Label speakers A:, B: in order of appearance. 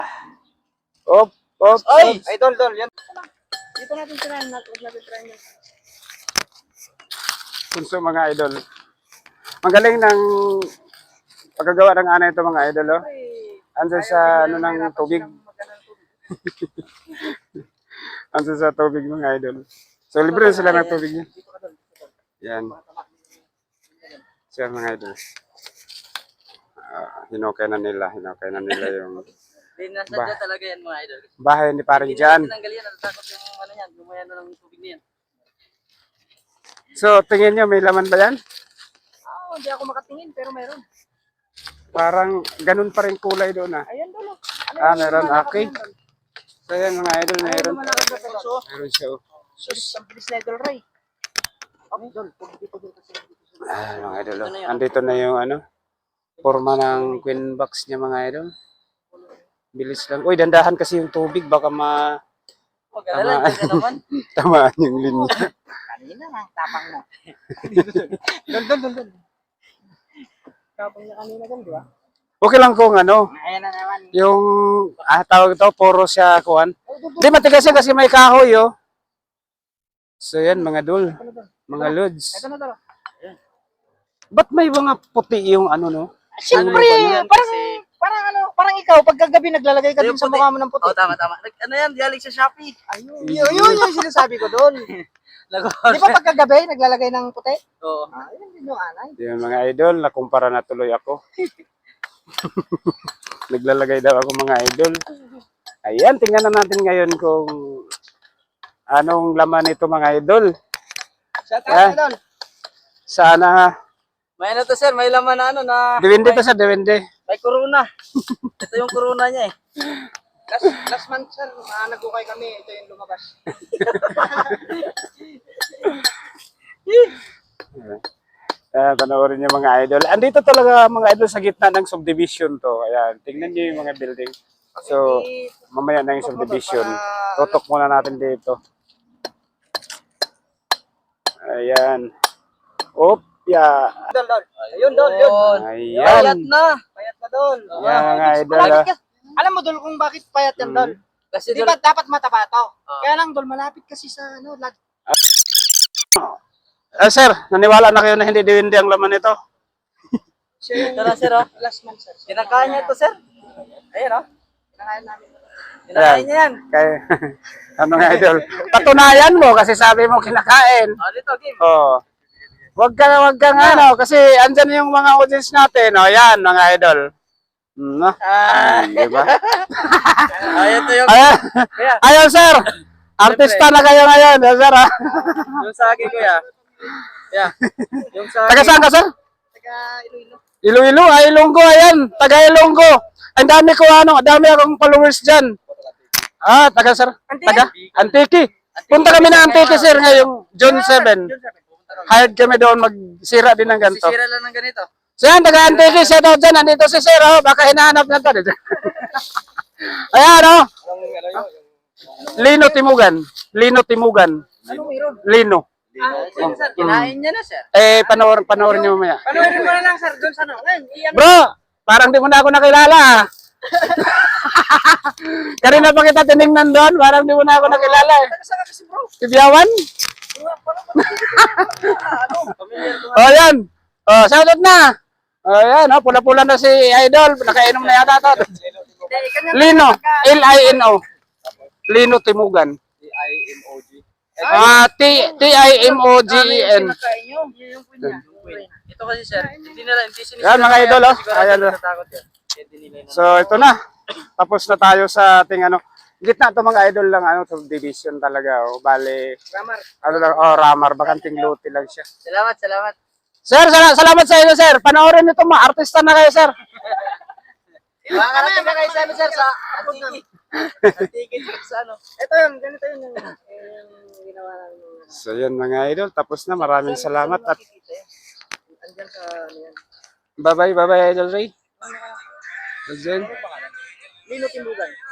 A: Op, op,
B: Ay!
A: op. Idol, dol, yan.
B: Dito natin tirahan. Huwag natin tirahan yan.
A: Punso mga idol. Magaling ng pagkagawa ng ana ito mga idol, oh. Andiyan sa ano ng tubig. Andiyan sa tubig mga idol. So libre sila ng tubig niya. Yan. Siya mga idol. Hinukay na nila yung
B: Dinasadya talaga yan mga idol.
A: bahay ni parang Jan.
B: Tinanggal yan. Natatakot yung ano yan. Gumaya na ng tubig na yan.
A: So tingin nyo may laman ba yan?
B: Hindi ako makatingin pero meron.
A: Parang ganun pa rin kulay doon ah.
B: Ayan doon.
A: Meron. Okay. So yan mga idol, meron.
B: Malakad na peso.
A: Meron siya. Oh.
B: Sus, ang bilis na idol Ray. Idol, dito kasi.
A: Mga idol. Oh. Andito na yung ano, forma ng queen box niya mga idol. Bilis lang. Uy, dandahan kasi yung tubig. Baka
B: Mag-alala, dyan naman.
A: tamaan yung linya.
B: Kanina na, tapang na. Dol. Tapang niya kanina dyan, di ba?
A: Okay lang kung ano,
B: Ayan na naman.
A: yung tawag ito, puro siya kuhan. Hindi, matigas yan kasi may kahoy, oh. So yan, mga dul, mga lods.
B: Ito na dala.
A: Ba't may mga puti yung ano, no?
B: Siyempre, parang ikaw, pagkagabi naglalagay ka din sa mukha mo ng puti.
C: Tama. Ano yan? Galing sa Shopee.
B: Ayun, yun yung sinasabi ko doon. Di ba pagkagabi naglalagay ng puti?
C: Oo.
B: Ayun din yung anay.
A: Yung mga idol, nakumpara na tuloy ako. Naglalagay daw ako mga idol. Ayan, tingnan na natin ngayon kung anong laman nito mga idol.
B: Shout out doon.
A: Sana,
C: May ano to sir, may laman na ano na
A: diwende to sa diwende.
C: may corona. Ito yung corona niya eh.
B: Last month sir, nagukay kami, ito yung lumabas.
A: Panoorin niyo mga idol. Andito talaga mga idol sa gitna ng subdivision to. Ayan, tingnan niyo yung mga building. So, mamaya na yung subdivision. Tutok muna natin dito. Ayan. Opya.
B: Dol. Ayun, Dol, yun.
A: Ayan.
C: Payat na.
B: Payat na, Dol.
A: Ayan mga idol.
B: Alam mo, Dol, kung bakit payat yan, Dol?
C: Kasi
B: Di ba dapat mataba to? Kaya lang, Dol, malapit kasi sa ano,
A: Sir, naniwala na kayo na hindi diwindi ang laman nito?
B: siya yung
C: Ito na sir oh.
B: last month, sir.
C: Kinakain niya ito sir. Ayun oh.
B: Kinakain namin.
C: Kinakain niya yan.
A: Kaya, ano nga idol? Patunayan mo kasi sabi mo kinakain.
C: Dito game.
A: Oh. Wag kang ano kasi andyan yung mga audience natin. Oh, yan mga idol. No? Di ba?
C: Ito yung
A: Ayun sir. Artista na kayo ngayon, sir. Ha?
C: yung sa akin kuya. Yeah. Yung sa
A: Taga saan ka, sir?
B: Taga Iloilo.
A: Iloilo, Ilonggo, ayan. Taga Ilonggo. Ang dami ko, dami akong followers dyan. Taga, sir. Taga? Antique. Punta kami na Antique, sir, ngayong June 7. Hired kami doon, magsira din ng ganito.
C: sisira lang ng ganito.
A: So yan, taga Antique, siya daw dyan. Nandito si sir, baka hinahanap na to. Ayan, Lino Timugan.
B: Anong meron?
A: Lino.
C: Sir, kinain niya na sir.
A: Panoorin niyo mamaya.
B: Panoorin mo na lang, sir, doon sa ano. Ngayon,
A: Bro, parang di mo na ako nakilala. Kanina pa kita tinignan doon, parang di mo na ako nakilala.
B: Saan ka kasi, bro?
A: Tibiyawan? Yan. Shoutout na. Yan, pula-pula na si Idol. Nakainom na yata to. Lino. Lino. Lino Timugan. Timoggen.
C: Kinakain nyo. Yung queen niya. Ito kasi sir, hindi sinisira.
A: Yan mga idol, Ayan.
C: Natatakot yan. Hindi nila yun.
A: So ito na. Tapos na tayo sa ating gitna to mga idol lang subdivision talaga. Bale, Ramar, bakanting lote lang siya.
C: Salamat.
A: Sir, salamat sa inyo, sir. Panoorin niyo to, mga artista na kayo, sir.
C: Makakarating na kayo sa amin sir sa Antique. Antique sa ano.
B: Ito yun, ganito yun yung ginawa namin.
A: So yun mga idol, tapos na. Maraming salamat at
B: Andyan sa ano yan.
A: bye-bye Idol Ray. Again.
B: Lino Timbugan.